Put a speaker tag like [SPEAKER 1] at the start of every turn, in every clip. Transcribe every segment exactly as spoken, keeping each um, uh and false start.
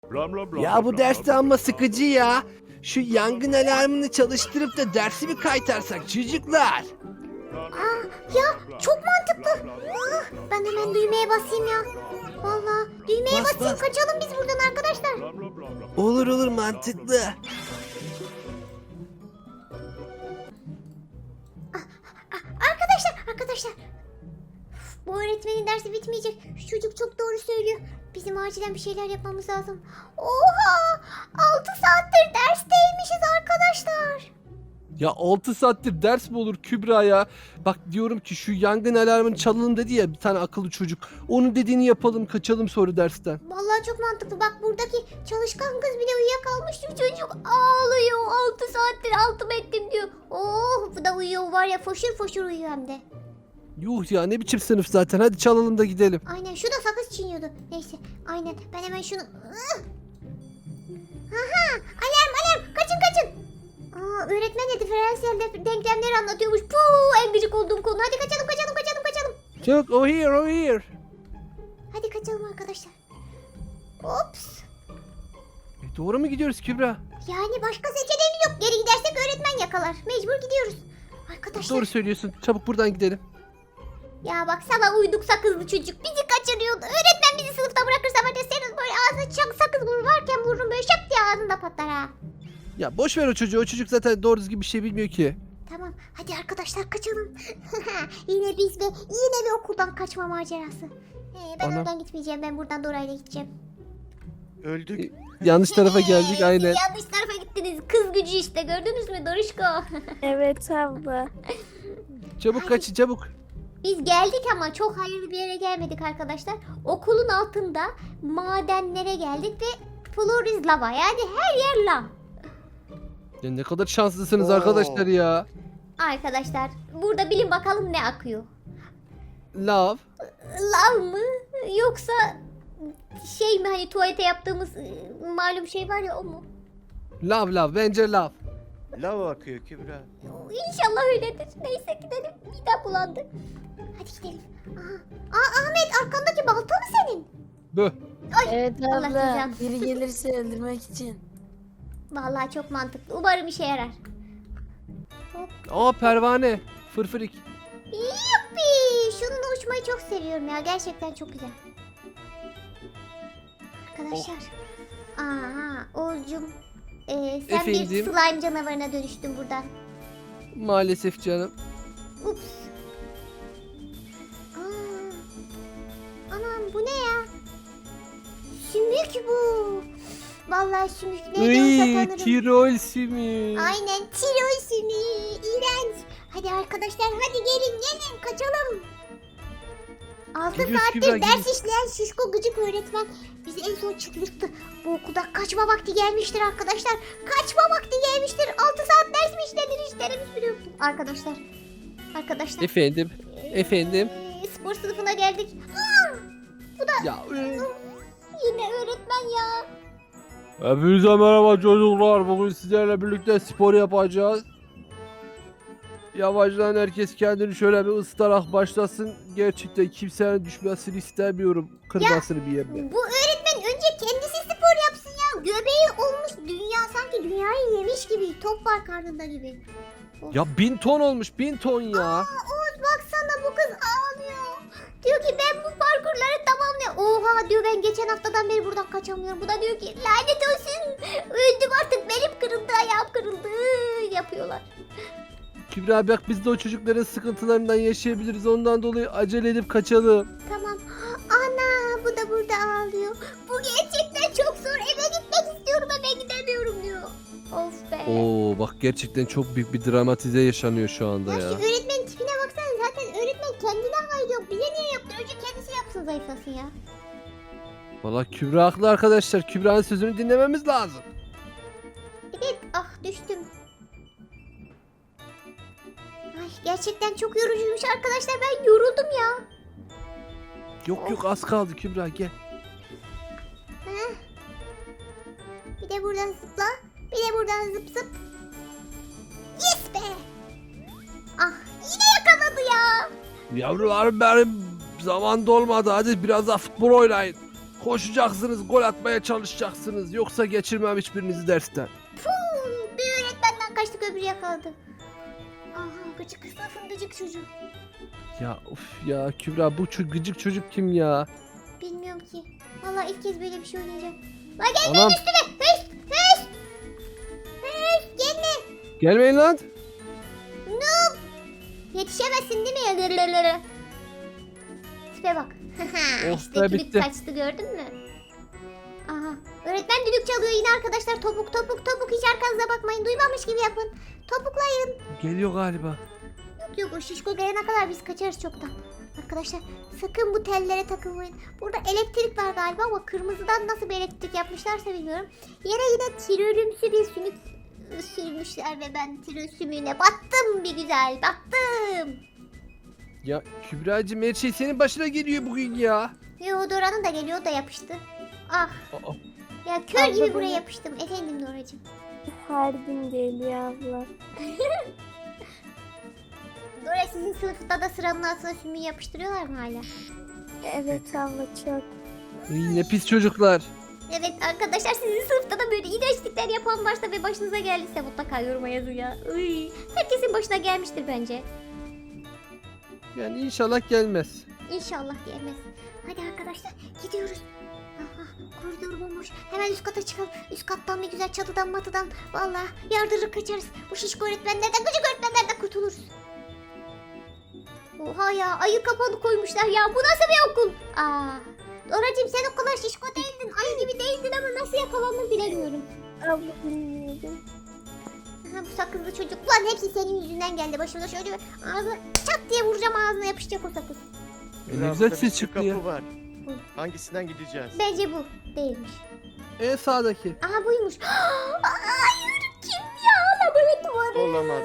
[SPEAKER 1] Ya bu derste amma sıkıcı ya. Şu yangın alarmını çalıştırıp da dersi mi kaytarsak çocuklar?
[SPEAKER 2] Aa, ya çok mantıklı. Ah, ben hemen düğmeye basayım ya. Vallahi düğmeye
[SPEAKER 1] Bas,
[SPEAKER 2] basayım,
[SPEAKER 1] bas.
[SPEAKER 2] kaçalım biz buradan arkadaşlar.
[SPEAKER 1] Olur olur mantıklı.
[SPEAKER 2] Arkadaşlar, arkadaşlar. Uf, bu öğretmenin dersi bitmeyecek. Şu çocuk çok doğru söylüyor. Bizim acilen bir şeyler yapmamız lazım. Oha! altı saattir dersteymişiz arkadaşlar.
[SPEAKER 1] Ya altı saattir ders mi olur Kübra ya? Bak diyorum ki şu yangın alarmını çalalım dedi ya bir tane akıllı çocuk. Onun dediğini yapalım, kaçalım sonra dersten.
[SPEAKER 2] Vallahi çok mantıklı. Bak buradaki çalışkan kız bile uyuyakalmış. Şu çocuk ağlıyor. altı saattir altımı ettim diyor. Oh, bu da uyuyor var ya, foşur foşur uyuyor hem de.
[SPEAKER 1] Yuh ya, ne biçim sınıf zaten, hadi çalalım da gidelim.
[SPEAKER 2] Aynen, şu da sakız çiğniyordu. Neyse, aynen, ben hemen şunu... Ih! Aha, alarm alarm, kaçın kaçın. Aa, öğretmen de diferansiyel de- denklemleri anlatıyormuş. Puu, en gıcık olduğum konu. Hadi kaçalım kaçalım kaçalım kaçalım.
[SPEAKER 1] Çabuk, o here, o here.
[SPEAKER 2] Hadi kaçalım arkadaşlar. Ops.
[SPEAKER 1] E, doğru mu gidiyoruz Kübra?
[SPEAKER 2] Yani başka seçeneğimiz yok. Geri gidersek öğretmen yakalar. Mecbur gidiyoruz. Arkadaşlar.
[SPEAKER 1] Doğru söylüyorsun, çabuk buradan gidelim.
[SPEAKER 2] Ya bak, sana uyduk sakızlı çocuk. Bizi kaçırıyordu. Öğretmen bizi sınıfta bırakırsa var ya, senin böyle ağzına çak sakız vurur varken vururum böyle şak diye ağzında patlar ha.
[SPEAKER 1] Ya boş ver o çocuğu, o çocuk zaten doğru düzgün bir şey bilmiyor ki.
[SPEAKER 2] Tamam, hadi arkadaşlar kaçalım. Yine biz ve yine bir okuldan kaçma macerası. Ee, ben
[SPEAKER 1] Ana.
[SPEAKER 2] oradan gitmeyeceğim. Ben buradan Dora'yla gideceğim.
[SPEAKER 3] Öldük.
[SPEAKER 1] Yanlış tarafa geldik
[SPEAKER 2] Siz
[SPEAKER 1] aynen.
[SPEAKER 2] yanlış tarafa gittiniz. Kız gücü işte, gördünüz mü Doruşko?
[SPEAKER 4] Evet abla.
[SPEAKER 1] Çabuk kaçın çabuk.
[SPEAKER 2] Biz geldik ama çok hayırlı bir yere gelmedik arkadaşlar. Okulun altında madenlere geldik ve floor is lava. Yani her yer lav.
[SPEAKER 1] Ya ne kadar şanslısınız
[SPEAKER 3] Oo.
[SPEAKER 1] arkadaşlar ya.
[SPEAKER 2] Arkadaşlar burada bilin bakalım ne akıyor.
[SPEAKER 1] Love.
[SPEAKER 2] Lav mı yoksa şey mi, hani tuvalete yaptığımız e, malum şey var ya, o mu?
[SPEAKER 1] Love love, bence love.
[SPEAKER 3] Lava akıyor Kübra.
[SPEAKER 2] İnşallah öyledir. Neyse gidelim. Midem bulandı. Hadi gidelim. Aha. Aa, Ahmet, arkandaki balta mı senin?
[SPEAKER 1] Böh.
[SPEAKER 4] Evet
[SPEAKER 2] Allah
[SPEAKER 4] abla.
[SPEAKER 2] cezanı.
[SPEAKER 4] Biri gelirse öldürmek için.
[SPEAKER 2] Vallahi çok mantıklı. Umarım işe yarar. Hop.
[SPEAKER 1] Aa pervane. Fırfırik.
[SPEAKER 2] Yuppi! Şununla uçmayı çok seviyorum ya. Gerçekten çok güzel. Arkadaşlar. Aa, Oğuzcum. Ee, sen bir
[SPEAKER 1] Efendim?
[SPEAKER 2] slime canavarına dönüştün buradan.
[SPEAKER 1] Maalesef canım.
[SPEAKER 2] Ups. Aa. Anam, bu ne ya? Sümük bu. Vallahi sümük neydi
[SPEAKER 1] Iy,
[SPEAKER 2] olsa tanırım.
[SPEAKER 1] Tirol simi.
[SPEAKER 2] Aynen, Tirol sümüğü. İğrenç. Hadi arkadaşlar, hadi gelin gelin kaçalım. Altı
[SPEAKER 1] Geliyoruz
[SPEAKER 2] saattir
[SPEAKER 1] Kübra,
[SPEAKER 2] ders
[SPEAKER 1] geliyoruz.
[SPEAKER 2] işleyen şişko gıcık öğretmen bizi en son çıldırttı. Bu okulda kaçma vakti gelmiştir arkadaşlar. Kaçma vakti gelmiştir. Altı saat ders mi işlenir, hiç derimiz bile yoktu. Arkadaşlar. Arkadaşlar.
[SPEAKER 1] Efendim. Efendim.
[SPEAKER 2] Ee, spor sınıfına geldik. Aa, bu da
[SPEAKER 1] Ya. e,
[SPEAKER 2] yine öğretmen ya.
[SPEAKER 1] Hepinize merhaba çocuklar. Bugün sizlerle birlikte spor yapacağız. Yavaştan herkes kendini şöyle bir ısıtarak başlasın. Gerçekten kimsenin düşmesini istemiyorum. Kırmasını bir yerine.
[SPEAKER 2] Bu öğretmen önce kendisi spor yapsın ya. Göbeği olmuş, dünya sanki dünyayı yemiş gibi. Top var karnında gibi.
[SPEAKER 1] Ya bin ton olmuş, bin ton ya.
[SPEAKER 2] Aa, Oğuz baksana, bu kız ağlıyor. Diyor ki ben bu parkurları tamamlayayım. Oha diyor, ben geçen haftadan beri buradan kaçamıyorum. Bu da diyor ki lanet olsun. Öldüm artık, belim kırıldı, ayağım kırıldı yapıyorlar.
[SPEAKER 1] Kübra bak, biz de o çocukların sıkıntılarından yaşayabiliriz. Ondan dolayı acele edip kaçalım.
[SPEAKER 2] Tamam. Ana, bu da burada ağlıyor. Bu gerçekten çok zor. Eve gitmek istiyorum, eve gidemiyorum diyor. Of be.
[SPEAKER 1] Oo bak, gerçekten çok büyük bir dramatize yaşanıyor şu anda
[SPEAKER 2] Ya
[SPEAKER 1] ya.
[SPEAKER 2] şu öğretmenin tipine baksana, zaten öğretmen kendine hayır yok. Bize niye yaptı? Önce kendisi yapsın, zayıflasın ya.
[SPEAKER 1] Valla Kübra haklı arkadaşlar. Kübra'nın sözünü dinlememiz lazım.
[SPEAKER 2] Evet, ah düştüm. Ay, gerçekten çok yorucuymuş arkadaşlar, ben yoruldum ya.
[SPEAKER 1] Yok yok, az kaldı Kübra, gel.
[SPEAKER 2] Heh. Bir de buradan zıpla. Bir de buradan zıp zıp. Yes be. Ah, yine yakaladı ya.
[SPEAKER 1] Yavrularım benim, zaman dolmadı. Hadi biraz daha futbol oynayın. Koşacaksınız, gol atmaya çalışacaksınız. Yoksa geçirmem hiçbirinizi dersten.
[SPEAKER 2] Puh, bir öğretmenden kaçtık öbürü yakaladı. Aha gıcık sınıfın gıcık çocuğu.
[SPEAKER 1] Ya of ya Kübra, bu ço- gıcık çocuk kim ya?
[SPEAKER 2] Bilmiyorum ki. Vallahi ilk kez böyle bir şey oynayacağım. La gelmeyin
[SPEAKER 1] Anam,
[SPEAKER 2] üstüme. Hış hış. Hış gelme.
[SPEAKER 1] gelmeyin lan.
[SPEAKER 2] Noob. Yetişemezsin değil mi? Lırlırlırı. Tipe bak.
[SPEAKER 1] Oh
[SPEAKER 2] işte
[SPEAKER 1] be,
[SPEAKER 2] düdük
[SPEAKER 1] bitti.
[SPEAKER 2] kaçtı gördün mü? Aha. Öğretmen düdük çalıyor yine arkadaşlar. Topuk topuk topuk, hiç arkanıza bakmayın. Duymamış gibi yapın. Topuklayın.
[SPEAKER 1] Geliyor galiba.
[SPEAKER 2] Yok yok, o şişko gelene kadar biz kaçarız çoktan. Arkadaşlar sakın bu tellere takılmayın. Burada elektrik var galiba ama kırmızıdan nasıl bir elektrik yapmışlarsa bilmiyorum. Yere yine tirölümsü bir sümük sürmüşler ve ben tirö sümüğüne battım bir güzel battım.
[SPEAKER 1] Ya Kübra'cığım, her şey senin başına geliyor bugün ya.
[SPEAKER 2] Yo, Dora'nın da geliyor, o da yapıştı. Ah
[SPEAKER 1] Aa,
[SPEAKER 2] ya, kör
[SPEAKER 4] Abla
[SPEAKER 2] gibi buraya
[SPEAKER 4] beni-
[SPEAKER 2] yapıştım efendim Doracığım.
[SPEAKER 4] Her gün geliyor abla.
[SPEAKER 2] Dora, sizin sınıfta da sıranın altına sümüğü yapıştırıyorlar mı hala?
[SPEAKER 4] Evet abla çok.
[SPEAKER 1] iyi, ne pis çocuklar.
[SPEAKER 2] Evet arkadaşlar, sizin sınıfta da böyle iğrençlikler yapan varsa ve başınıza geldiyse mutlaka yoruma yazın ya. Iy, herkesin başına gelmiştir bence.
[SPEAKER 1] Yani inşallah gelmez.
[SPEAKER 2] İnşallah gelmez. Hadi arkadaşlar gidiyoruz. Aha, koridor bomboş. Hemen üst kata çıkalım. Üst kattan bir güzel çatıdan matıdan. Vallahi yardırır kaçarız. Bu şişko öğretmenlerden, gıcık öğretmenlerden kurtuluruz. Oha ya, ayı kapanı koymuşlar ya. Bu nasıl bir okul? Aa, Doracığım sen o kadar şişko değildin. Ayı gibi değildin ama nasıl yakalandın bilemiyorum.
[SPEAKER 4] Abla bilmiyordum.
[SPEAKER 2] Aha, bu sakızlı çocuk. Ulan hepsi senin yüzünden geldi. Başımda şöyle bir ağzına çat diye vuracağım, ağzına yapışacak o sakız.
[SPEAKER 1] E, ne
[SPEAKER 3] Biraz
[SPEAKER 1] güzel
[SPEAKER 3] da
[SPEAKER 1] ses
[SPEAKER 3] bir
[SPEAKER 1] çıktı
[SPEAKER 3] kapı
[SPEAKER 1] ya.
[SPEAKER 3] var.
[SPEAKER 2] Hı.
[SPEAKER 3] Hangisinden gideceğiz?
[SPEAKER 2] Bence bu değilmiş.
[SPEAKER 1] En sağdaki.
[SPEAKER 2] Aha buymuş. Hayır, kim ya? Laboratuvarı.
[SPEAKER 3] Olamaz.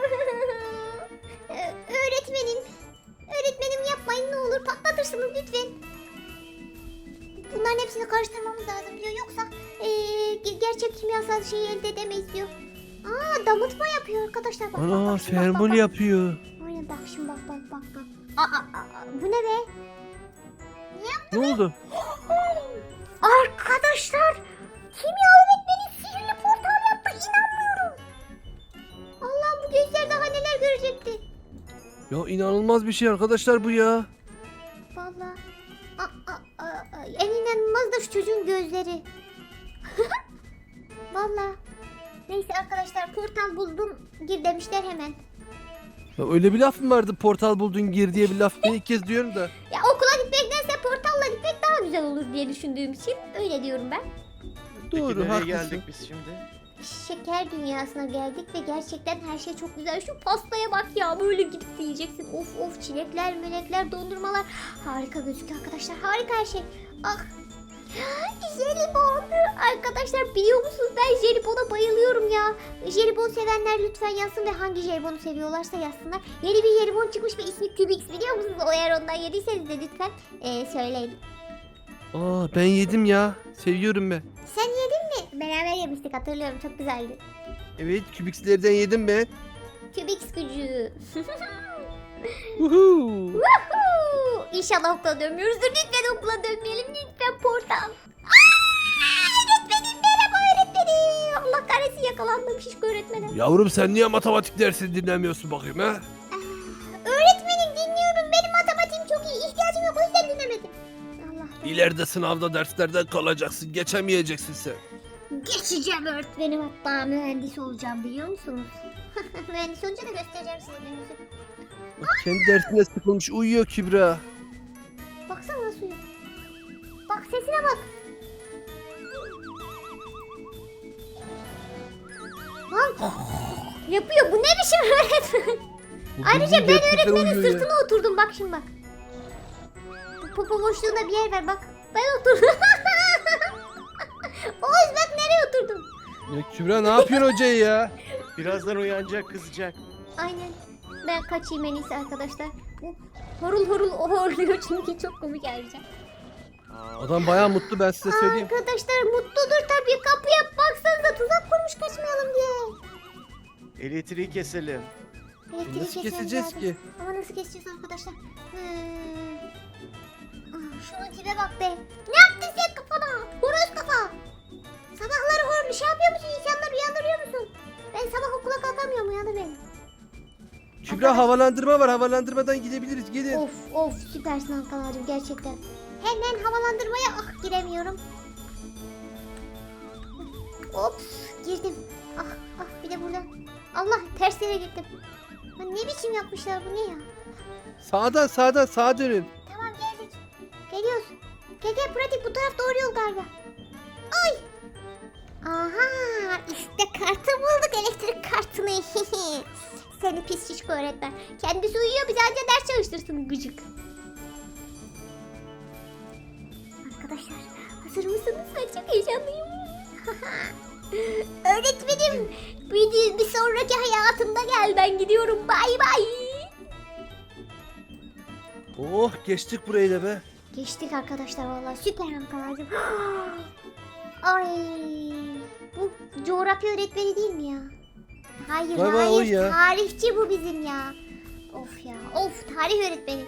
[SPEAKER 2] Ee, öğretmenim. Öğretmenim yapmayın ne olur, patlatırsınız lütfen. Bunların hepsini karıştırmamız lazım diyor. Yoksa ee, ge- gerçek kimyasal şeyi elde edemeyiz diyor. Aa, damıtma yapıyor arkadaşlar. Bak, bak,
[SPEAKER 1] Ana,
[SPEAKER 2] bak, şimdi bak, bak,
[SPEAKER 1] fermol
[SPEAKER 2] bak.
[SPEAKER 1] yapıyor.
[SPEAKER 2] Aynen bak şimdi, bak bak bak bak. Aa, aa, aa, bu ne be?
[SPEAKER 1] Ne oldu?
[SPEAKER 2] Arkadaşlar, kimya öğretmeni sihirli portal yaptı, inanmıyorum. Allah'ım, bu gözler daha neler görecekti.
[SPEAKER 1] Ya inanılmaz bir şey arkadaşlar bu ya.
[SPEAKER 2] Vallahi. Aa, aa, aa, aa, en inanılmaz da şu çocuğun gözleri. Vallahi. Neyse arkadaşlar, portal buldum gir demişler hemen.
[SPEAKER 1] Ya öyle bir laf mı vardı, portal buldun gir diye bir laf? Ben ilk kez diyorum da.
[SPEAKER 2] Ya okula gitmektense portalla gitmek daha güzel olur diye düşündüğüm için öyle diyorum ben.
[SPEAKER 3] Peki
[SPEAKER 1] Doğru,
[SPEAKER 3] nereye
[SPEAKER 1] haklısın.
[SPEAKER 3] geldik biz şimdi?
[SPEAKER 2] Şeker dünyasına geldik ve gerçekten her şey çok güzel. Şu pastaya bak ya, böyle gidip yiyeceksin. Of of, çilekler, melekler, dondurmalar. Harika gözüküyor arkadaşlar, harika her şey. Ah. Jelibon. Arkadaşlar biliyor musunuz, ben jelibona bayılıyorum ya. Jelibon sevenler lütfen yazsın ve hangi jelibonu seviyorlarsa yazsınlar. Yeni bir jelibon çıkmış ve ismi Cubix, biliyor musunuz? O, eğer ondan yediyseniz de lütfen ee, söyleyin.
[SPEAKER 1] Aa, ben yedim ya. Seviyorum ben.
[SPEAKER 2] Sen yedin mi? Beraber yemiştik, hatırlıyorum, çok güzeldi.
[SPEAKER 1] Evet, kübiklerden yedim ben.
[SPEAKER 2] Cubix gücü.
[SPEAKER 1] Uhu.
[SPEAKER 2] Woohoo! İnşallah okula dönmüyoruzdur. Lütfen okula dönmeyelim. Lütfen portal. Aa, öğretmenim, merhaba öğretmenim. Allah kahretsin, yakalandım şişko öğretmenim.
[SPEAKER 1] Yavrum, sen niye matematik dersini dinlemiyorsun bakayım ha?
[SPEAKER 2] Aa, öğretmenim dinliyorum. Benim matematiğim çok iyi. İhtiyacım yok, o yüzden dinlemedim. Allah.
[SPEAKER 1] İleride sınavda derslerden kalacaksın. Geçemeyeceksin sen.
[SPEAKER 2] Geçeceğim öğretmenim. Hatta mühendis olacağım, biliyor musunuz? Mühendis olunca da göstereceğim size gününüzü.
[SPEAKER 1] Bak, kendi dersine sıkılmış uyuyor Kübra.
[SPEAKER 2] Baksana nasıl uyuyor. Bak sesine bak. Lan yapıyor. Bu ne biçim öğretmen?
[SPEAKER 1] Bu
[SPEAKER 2] Ayrıca
[SPEAKER 1] bildiğin
[SPEAKER 2] ben
[SPEAKER 1] gerçekten
[SPEAKER 2] öğretmenin
[SPEAKER 1] uyuyor ya.
[SPEAKER 2] sırtına oturdum. Bak şimdi bak. Bu popo boşluğunda bir yer ver bak. Ben oturdum. Oğuz bak nereye oturdum.
[SPEAKER 1] Ya Kübra, ne yapıyorsun hocayı ya?
[SPEAKER 3] Birazdan uyanacak, kızacak.
[SPEAKER 2] Aynen. Ben kaçayım en iyisi arkadaşlar. Bu horul horul horluyor çünkü çok komik ayrıca.
[SPEAKER 3] Aa,
[SPEAKER 1] Adam bayağı mutlu, ben size söyleyeyim.
[SPEAKER 2] Arkadaşlar mutludur tabii. Kapıya baksanıza, tuzak kurmuş kaçmayalım diye.
[SPEAKER 3] elektriği keselim.
[SPEAKER 2] Elektriği
[SPEAKER 1] Nasıl
[SPEAKER 2] kesmemiz
[SPEAKER 1] keseceğiz
[SPEAKER 2] lazım.
[SPEAKER 1] ki?
[SPEAKER 2] Ama nasıl keseceğiz arkadaşlar? Hmm. Ah, Şunun tipe bak be. Ne yaptın sen kafana? Horoz kafa. Sabahları hor şey yapıyor musun? İnsanları uyandırıyor musun? Ben sabah okula kalkamıyorum, uyandır beni.
[SPEAKER 1] Kübra havalandırma var. Havalandırmadan gidebiliriz. Gelin.
[SPEAKER 2] Of of süpersin Ankara'cığım gerçekten. Hemen havalandırmaya ah giremiyorum. Ops girdim. Ah ah bir de burada. Allah ters yere gittim. Ha, ne biçim yapmışlar bu ne ya?
[SPEAKER 1] Sağdan sağdan sağa dönün.
[SPEAKER 2] Tamam geldik. Geliyoruz. Gel gel pratik bu taraf doğru yol galiba. Ay. Aha işte kartı bulduk elektrik kartını. Seni pis şişko öğretmen. Kendisi uyuyor bize anca ders çalıştırsın gıcık. Arkadaşlar hazır mısınız? Ben çok heyecanlıyım. Öğretmenim bir, bir sonraki hayatımda gel ben gidiyorum bay bay.
[SPEAKER 1] Oh geçtik burayı da be.
[SPEAKER 2] Geçtik arkadaşlar vallahi süper Ankara'cığım. Ay bu coğrafya öğretmeni değil mi ya? Hayır
[SPEAKER 1] Vay vay, o
[SPEAKER 2] hayır
[SPEAKER 1] ya.
[SPEAKER 2] tarihçi bu bizim ya. Of ya of tarih öğretmeni.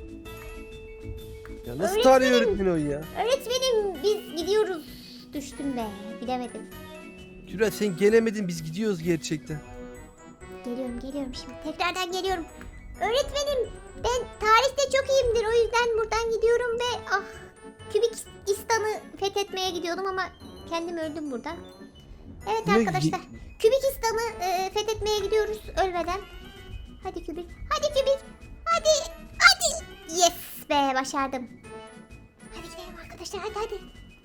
[SPEAKER 1] Ya nasıl
[SPEAKER 2] Öğretmenim.
[SPEAKER 1] tarih öğretmeni o ya?
[SPEAKER 2] Öğretmenim biz gidiyoruz. Düştüm be bilemedim.
[SPEAKER 1] Kübra sen gelemedin biz gidiyoruz gerçekten.
[SPEAKER 2] Geliyorum geliyorum şimdi tekrardan geliyorum. Öğretmenim ben tarihte çok iyiyimdir o yüzden buradan gidiyorum ve ah Kübikistan'ı fethetmeye gidiyordum ama kendim öldüm burada. Evet
[SPEAKER 1] Ne-
[SPEAKER 2] arkadaşlar Kübikistan'ı e, fethetmeye gidiyoruz ölmeden. Hadi Kübik hadi Kübik hadi hadi yes be başardım. Hadi gidelim arkadaşlar hadi hadi.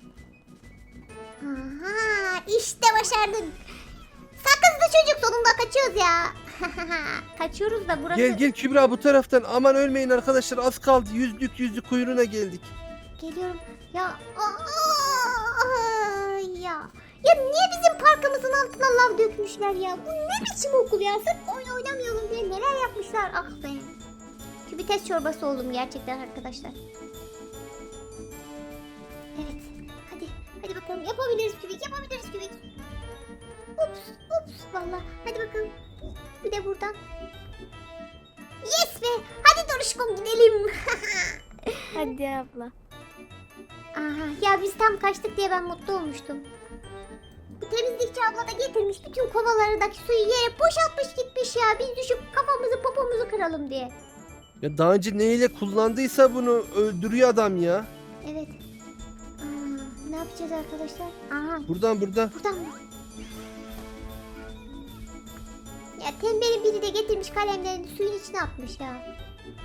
[SPEAKER 2] Aha işte başardık. Sakızlı çocuk sonunda kaçıyoruz ya. Kaçıyoruz da burası.
[SPEAKER 1] Gel gel Kübra bu taraftan. Aman ölmeyin arkadaşlar az kaldı. Yüzlük yüzlük kuyruğuna geldik.
[SPEAKER 2] Geliyorum. Ya aa, ya. Ya niye bizim parkımızın altına lav dökmüşler ya? Bu ne biçim okul ya? Sırf oyun oynamayalım diye neler yapmışlar. Ah be. Kübites çorbası oldum gerçekten arkadaşlar. Evet. Hadi. Hadi bakalım. Yapabiliriz Kübik. Yapabiliriz Kübik. Ups. Ups. Valla. Hadi bakalım. Bir de buradan. Yes be. Hadi Doruşkom gidelim.
[SPEAKER 4] Hadi abla.
[SPEAKER 2] Aha, ya biz tam kaçtık diye ben mutlu olmuştum. Bu temizlikçi abla da getirmiş bütün kovalardaki suyu yere boşaltmış gitmiş ya. Biz düşüp kafamızı popomuzu kıralım diye.
[SPEAKER 1] Ya daha önce neyle kullandıysa bunu öldürüyor adam ya.
[SPEAKER 2] Evet. Aa, ne yapacağız arkadaşlar? Aha
[SPEAKER 1] Buradan buradan.
[SPEAKER 2] buradan mı? Ya tembelin biri de getirmiş kalemlerini suyun içine atmış ya.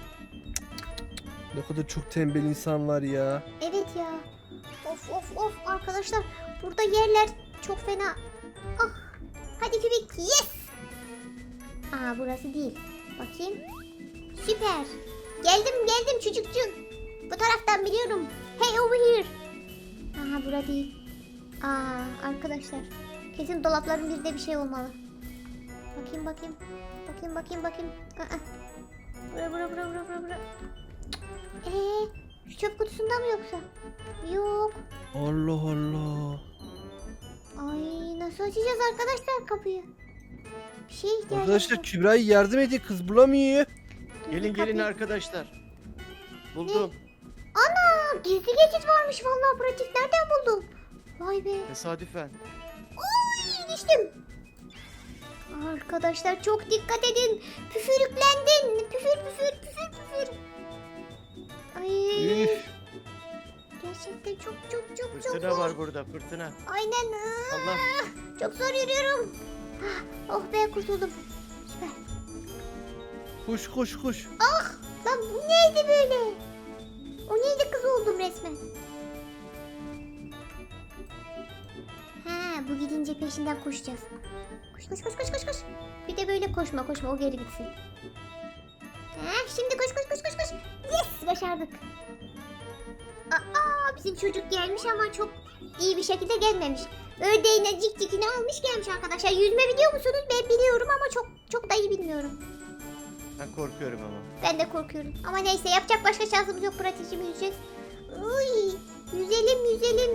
[SPEAKER 1] Ne kadar çok tembel insan var ya.
[SPEAKER 2] Evet ya. Of of of arkadaşlar. Burada yerler çok fena. Ah. Hadi Kübik. Yes. Aa burası değil. Bakayım. Süper. Geldim geldim çocukcuğum. Bu taraftan biliyorum. Hey over here. Aha bura değil. Aa arkadaşlar. Kesin dolapların birinde bir şey olmalı. Bakayım bakayım. Bakayım bakayım bakayım. Aa. Bura bura bura bura bura bura. Eee şu çöp kutusunda mı yoksa? Yok.
[SPEAKER 1] Allah Allah.
[SPEAKER 2] Ay nasıl açacağız arkadaşlar kapıyı? Bir şeye ihtiyacımız
[SPEAKER 1] Arkadaşlar
[SPEAKER 2] var.
[SPEAKER 1] Kübra'yı yardım edin kız bulamıyor.
[SPEAKER 2] Dur,
[SPEAKER 3] Gelin
[SPEAKER 2] bir
[SPEAKER 3] gelin
[SPEAKER 2] kapıyı-
[SPEAKER 3] arkadaşlar. Buldum.
[SPEAKER 2] Ana gizli geçit varmış vallahi pratik nereden buldun? Vay be.
[SPEAKER 3] Tesadüfen.
[SPEAKER 2] Oy düştüm. Arkadaşlar çok dikkat edin. Püfürüklendin. Püfür püfür püfür püfür. Ay.
[SPEAKER 1] Üf.
[SPEAKER 2] Gerçekten çok çok çok çok
[SPEAKER 3] Fırtına
[SPEAKER 2] zor.
[SPEAKER 3] var burada fırtına.
[SPEAKER 2] Aynen. Aa,
[SPEAKER 3] Allah.
[SPEAKER 2] Çok zor yürüyorum. Ah, Oh be kurtuldum. Süper.
[SPEAKER 1] Koş koş koş.
[SPEAKER 2] Lan bu neydi böyle? O neydi kız oldum resmen. Ha bu gidince peşinden koşacağız. Koş koş koş koş koş koş. Bir de böyle koşma koşma o geri gitsin. Ha şimdi koş koş koş koş koş. Yes başardık. Aa bizim çocuk gelmiş ama çok iyi bir şekilde gelmemiş. Ördeğine cik cikini almış gelmiş arkadaşlar. Yüzme biliyor musunuz? Ben biliyorum ama çok çok da iyi bilmiyorum.
[SPEAKER 3] Ben korkuyorum ama.
[SPEAKER 2] Ben de korkuyorum. Ama neyse yapacak başka şansımız yok. Pratikçimi yüzeceğiz. Uy, yüzelim yüzelim.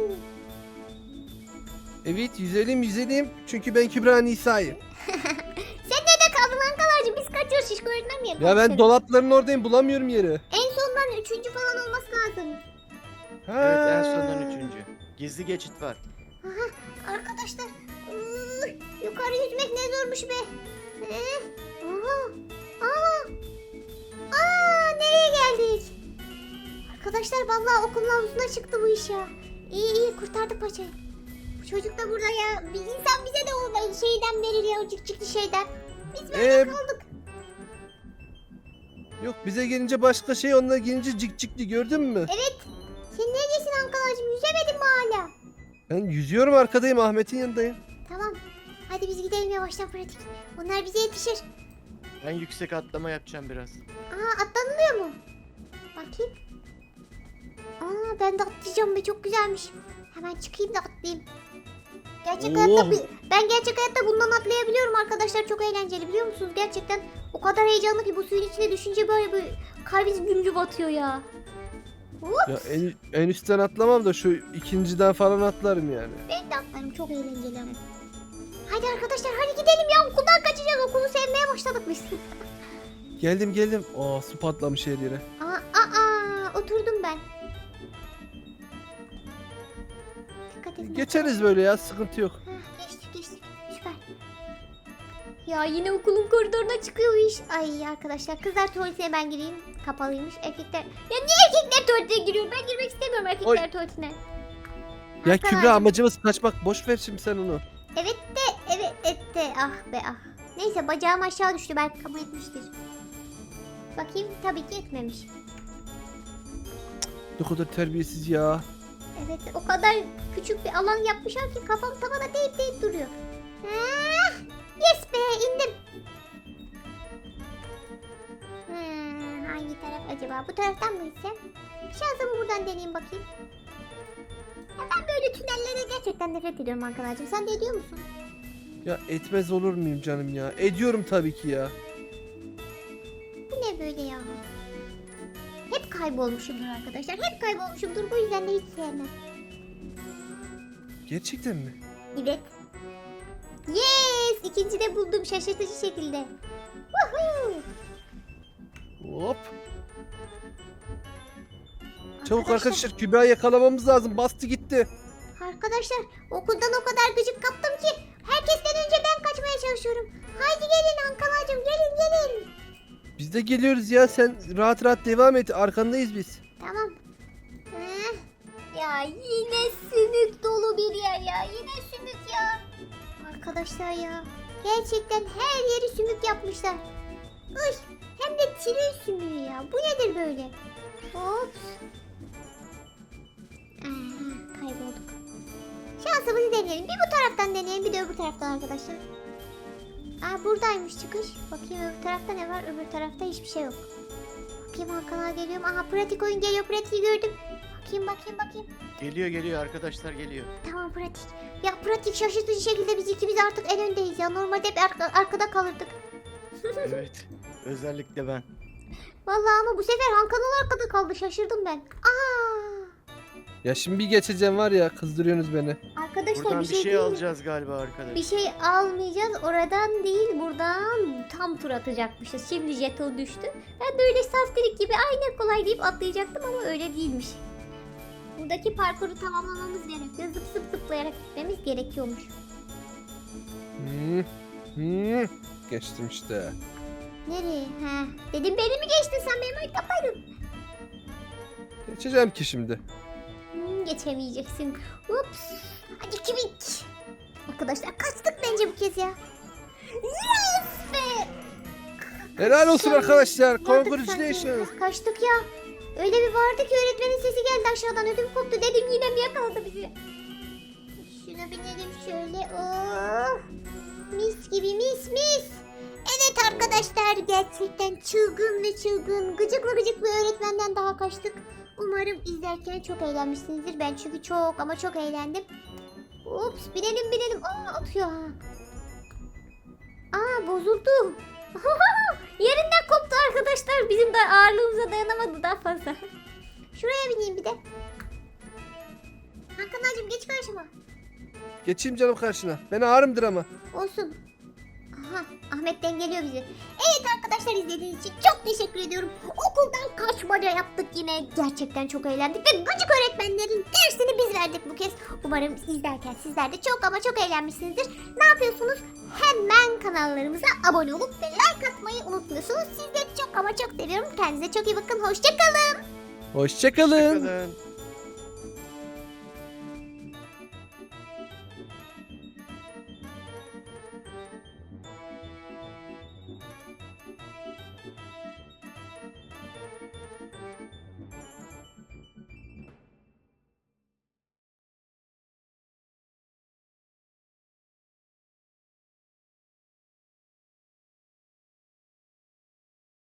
[SPEAKER 1] Evet yüzelim yüzelim. Çünkü ben Kübra Nisa'yım.
[SPEAKER 2] Sen nerede kaldın Ankara'cığım? Biz kaçıyoruz şişko öğretmen mi yapalım
[SPEAKER 1] Ya ben
[SPEAKER 2] seni?
[SPEAKER 1] dolapların oradayım bulamıyorum yeri.
[SPEAKER 2] En sondan üçüncü falan olması lazım.
[SPEAKER 3] Evet en sondan üçüncü. Gizli geçit var.
[SPEAKER 2] Arkadaşlar. ıı, yukarı yüzmek ne zormuş be. Ee, aha. Aa. Aa, nereye geldik? Arkadaşlar vallahi okulun havuzuna çıktı bu iş ya. İyi iyi kurtardık paçayı. Bu çocuk da burada ya. Bir insan bize de o şeyden verir ya, o cik cikli şeyden. Biz böyle
[SPEAKER 1] Ee,
[SPEAKER 2] kaldık.
[SPEAKER 1] Yok bize gelince başka şey, onlara gelince cik cikli, gördün mü?
[SPEAKER 2] Evet. Sen neredesin Ankara'cığım? Yüzemedin mi hala?
[SPEAKER 1] Ben yüzüyorum, arkadayım, Ahmet'in yanındayım.
[SPEAKER 2] Tamam. Hadi biz gidelim yavaştan pratik. Onlar bize yetişir.
[SPEAKER 3] Ben yüksek atlama yapacağım biraz.
[SPEAKER 2] Aa, atlanılıyor mu? Bakayım. Aa, ben de atlayacağım be, çok güzelmiş. Hemen çıkayım da atlayayım. Gerçek
[SPEAKER 1] Oh.
[SPEAKER 2] hayatta bi- ben gerçek hayatta bundan atlayabiliyorum arkadaşlar, çok eğlenceli biliyor musunuz? Gerçekten o kadar heyecanlı ki bu suyun içine düşünce böyle bir kalbiniz gümrü batıyor ya. Hop.
[SPEAKER 1] Ya en, en üstten atlamam da şu ikinciden falan atlarım yani.
[SPEAKER 2] Ben de atlarım, çok eğlenceli ama. Hadi arkadaşlar hadi gidelim ya, okuldan kaçacağız, okulu sevmeye başladık biz.
[SPEAKER 1] Geldim geldim. Aa, su patlamış her yere.
[SPEAKER 2] Aa, aa, oturdum ben. Dikkat edin.
[SPEAKER 1] Geçeriz böyle ya, sıkıntı yok.
[SPEAKER 2] Heh, geçtik geçtik. Süper. Ya yine okulun koridoruna çıkıyor bu iş. Ay arkadaşlar, kızlar tuvaletine ben gireyim. Kapalıymış. Erkekler... Ya niye erkekler tuvaletine giriyor? Ben girmek istemiyorum erkekler
[SPEAKER 1] Oy.
[SPEAKER 2] tuvaletine.
[SPEAKER 1] Ya
[SPEAKER 2] Hakan
[SPEAKER 1] Kübra,
[SPEAKER 2] abi.
[SPEAKER 1] amacımız kaçmak. Boş ver şimdi sen onu.
[SPEAKER 2] Evet de evet et de ah be ah. Neyse, bacağım aşağı düştü, belki kabul etmiştir. Bakayım, tabii ki etmemiş.
[SPEAKER 1] Ne kadar terbiyesiz ya.
[SPEAKER 2] Evet, o kadar küçük bir alan yapmışlar ki kafam tavana değip değip duruyor. Ah, yes be, indim. Hmm, hangi taraf acaba? Bu taraftan mı gitsem? Şansımı buradan deneyeyim bakayım. Ya ben böyle tünellere gerçekten nefret ediyorum arkadaşım. Sen de ediyor musun?
[SPEAKER 1] Ya etmez olur muyum canım ya? Ediyorum tabii ki ya.
[SPEAKER 2] Bu ne böyle ya? Hep kaybolmuşumdur arkadaşlar. Hep kaybolmuşumdur. Bu yüzden de hiç sevmem.
[SPEAKER 1] Gerçekten mi?
[SPEAKER 2] Evet. Yes! İkinci de buldum şaşırtıcı şekilde. Woohoo!
[SPEAKER 1] Hop. Çabuk arkadaşlar, Kübra'yı yakalamamız lazım. Bastı gitti.
[SPEAKER 2] Arkadaşlar, okuldan o kadar gıcık kaptım ki herkesten önce ben kaçmaya çalışıyorum. Haydi gelin Ankara'cığım, gelin gelin.
[SPEAKER 1] Biz de geliyoruz ya, sen rahat rahat devam et. Arkandayız biz.
[SPEAKER 2] Tamam. Heh. Ya yine sümük dolu bir yer ya. Yine sümük ya. Arkadaşlar ya. Gerçekten her yeri sümük yapmışlar. Uy, hem de tren sümüğü ya. Bu nedir böyle? Ops. Aha, kaybolduk. Şansımızı deneyelim. Bir bu taraftan deneyelim, bir de öbür taraftan arkadaşlar. Aa, buradaymış çıkış. Bakayım öbür tarafta ne var? Öbür tarafta hiçbir şey yok. Bakayım Hakan'a geliyorum. Aha, pratik oyun geliyor. Pratiği gördüm. Bakayım bakayım bakayım.
[SPEAKER 3] Geliyor geliyor arkadaşlar geliyor.
[SPEAKER 2] Tamam pratik. Ya pratik, şaşırtıcı şekilde biz ikimiz artık en öndeyiz ya. Normalde hep arka- arkada kalırdık.
[SPEAKER 3] Evet. Özellikle ben.
[SPEAKER 2] Vallahi ama bu sefer Hakan'ın arkada kaldı. Şaşırdım ben. Aa!
[SPEAKER 1] Ya şimdi bir geçeceğim var ya, kızdırıyorsunuz beni.
[SPEAKER 2] Arkadaşlar
[SPEAKER 3] Buradan
[SPEAKER 2] bir şey,
[SPEAKER 3] şey
[SPEAKER 2] değil mi?
[SPEAKER 3] alacağız galiba arkadaş.
[SPEAKER 2] Bir şey almayacağız. Oradan değil, buradan tam tur atacakmışız. Şimdi jeton düştü. Ben de öyle saftirik gibi aynen kolay deyip atlayacaktım ama öyle değilmiş. Buradaki parkuru tamamlamamız gerekiyor. Zıp zıp zıplayarak gitmemiz gerekiyormuş.
[SPEAKER 1] Hmm. Hmm. Geçtim işte.
[SPEAKER 2] Nereye? He. Dedim beni mi geçtin sen, benim arkamdaydın.
[SPEAKER 1] Geçeceğim ki şimdi.
[SPEAKER 2] Hmm, geçemeyeceksin. Ups. Hadi kibik. Arkadaşlar kaçtık bence bu kez ya. Yes be.
[SPEAKER 1] Helal olsun
[SPEAKER 2] Şey,
[SPEAKER 1] arkadaşlar.
[SPEAKER 2] Vardık
[SPEAKER 1] Congratulations.
[SPEAKER 2] sanki. Kaçtık ya. Öyle bir vardı ki öğretmenin sesi geldi aşağıdan, ödüm koptu. Dedim yine mi yakaladı bizi? Şuna binelim şöyle. Oh. Mis gibi, mis mis. Evet arkadaşlar, gerçekten çılgın ve çılgın, gıcıklı gıcıklı öğretmenden daha kaçtık. Umarım izlerken çok eğlenmişsinizdir. Ben çünkü çok ama çok eğlendim. Ups, binelim binelim. Aa, atıyor ha. Aa, bozuldu. Yerinden koptu arkadaşlar. Bizim de ağırlığımıza dayanamadı daha fazla. Şuraya bineyim bir de. Hakan'cığım geç karşıma.
[SPEAKER 1] Geçeyim canım karşına. Ben ağrımdır ama.
[SPEAKER 2] Olsun. Aha, Aha Ahmet dengeliyor bizi. Evet arkadaşlar izlediğiniz için çok teşekkür ediyorum. Okuldan kaçmaca yaptık yine. Gerçekten çok eğlendik ve gıcık öğretmenlerin dersini biz verdik bu kez. Umarım izlerken sizler de çok ama çok eğlenmişsinizdir. Ne yapıyorsunuz? Hemen kanallarımıza abone olup ve like atmayı unutmuyorsunuz. Sizleri çok ama çok seviyorum. Kendinize çok iyi bakın. Hoşçakalın.
[SPEAKER 1] Hoşçakalın.
[SPEAKER 3] Hoşçakalın.